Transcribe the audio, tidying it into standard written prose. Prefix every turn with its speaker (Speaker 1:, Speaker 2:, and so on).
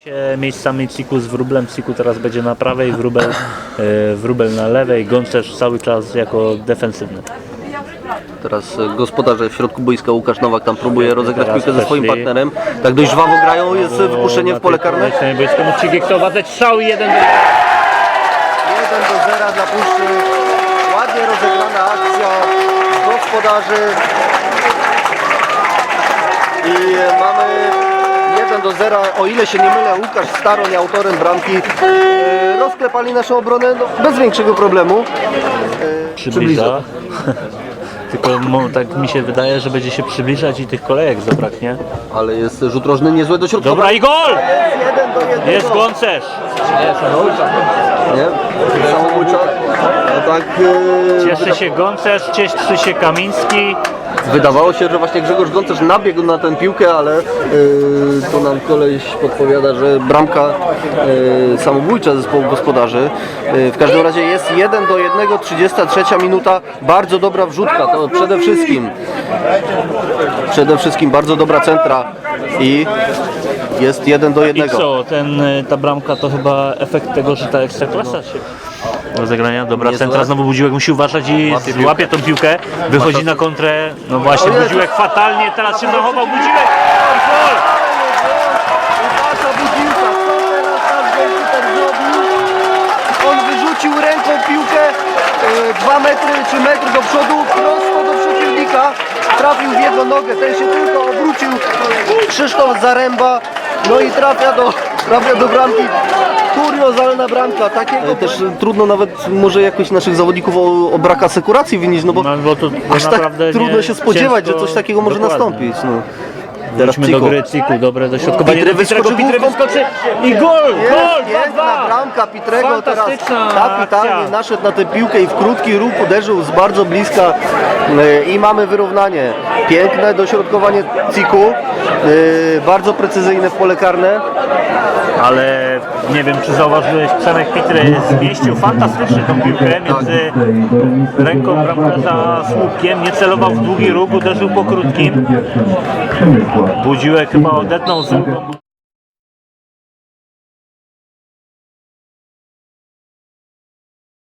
Speaker 1: Miejscami Ciku z Wróblem. Ciku teraz będzie na prawej, Wróbel na lewej, Gącerz cały czas jako defensywny.
Speaker 2: Teraz gospodarze w środku boiska Łukasz Nowak tam próbuje rozegrać piłkę ze swoim
Speaker 1: weszli.
Speaker 2: partnerem. Tak dość żwawo grają, jest wypuszczenie w pole karne.
Speaker 1: Mógł Cigiektowadzać strzał i 1-0.
Speaker 2: 1-0 dla Puszczy. Ładnie rozegrana akcja gospodarzy. I mamy 1-0. O ile się nie mylę, Łukasz Staroń, autorem bramki, rozklepali naszą obronę bez większego problemu.
Speaker 1: Przybliża. Tylko tak mi się wydaje, że będzie się przybliżać i tych kolejek zabraknie.
Speaker 2: Ale jest rzut rożny niezłe do środka.
Speaker 1: Dobra i gol!
Speaker 2: Jest 1-1.
Speaker 1: Jest Gącerz!
Speaker 2: Nie? Samobójcza. No tak,
Speaker 1: Cieszy się Gącerz, cieszy się Kamiński.
Speaker 2: wydawało się, że właśnie Grzegorz Gącerz nabiegł na tę piłkę, ale to nam koleś podpowiada, że bramka samobójcza zespołu gospodarzy. W każdym razie jest 1-1, 33 minuta, bardzo dobra wrzutka, to przede wszystkim bardzo dobra centra i jest 1-1.
Speaker 1: I co, ta bramka to chyba efekt tego, że ta Ekstraklasa się rozegrania. Dobra, centra znowu Budziłek musi uważać i złapie tą piłkę, wychodzi na kontrę. No właśnie, Budziłek fatalnie, teraz się zachował Budziłek. Gol!
Speaker 2: Budziłka, co teraz nasz golkiper zrobił? On wyrzucił ręką piłkę 2 metry czy metr do przodu, prosto do przeciwnika. Trafił w jego nogę, ten się tylko obrócił. Krzysztof Zaręba, no i trafia do bramki. Kuriozalna bramka, takiego też trudno nawet może jakoś naszych zawodników o brak asekuracji winić, no bo
Speaker 1: to
Speaker 2: aż tak trudno się spodziewać, że coś takiego może nastąpić. No.
Speaker 1: Teraz do gry Ciku, dobre dośrodkowanie.
Speaker 2: Pitry wyskoczył
Speaker 1: i gol!
Speaker 2: Jest na bramka Pitrego teraz
Speaker 1: Fantastyczna
Speaker 2: kapitalnie
Speaker 1: akcja.
Speaker 2: naszedł na tę piłkę i w krótki ruch uderzył z bardzo bliska i mamy wyrównanie. Piękne dośrodkowanie Ciku, bardzo precyzyjne w pole karne.
Speaker 1: Ale nie wiem, czy zauważyłeś, Przemek Pitry zmieścił fantastycznie tą piłkę między ręką bramkarza a słupkiem, nie celował w długi róg, uderzył po krótkim. Budziłek chyba odetnął z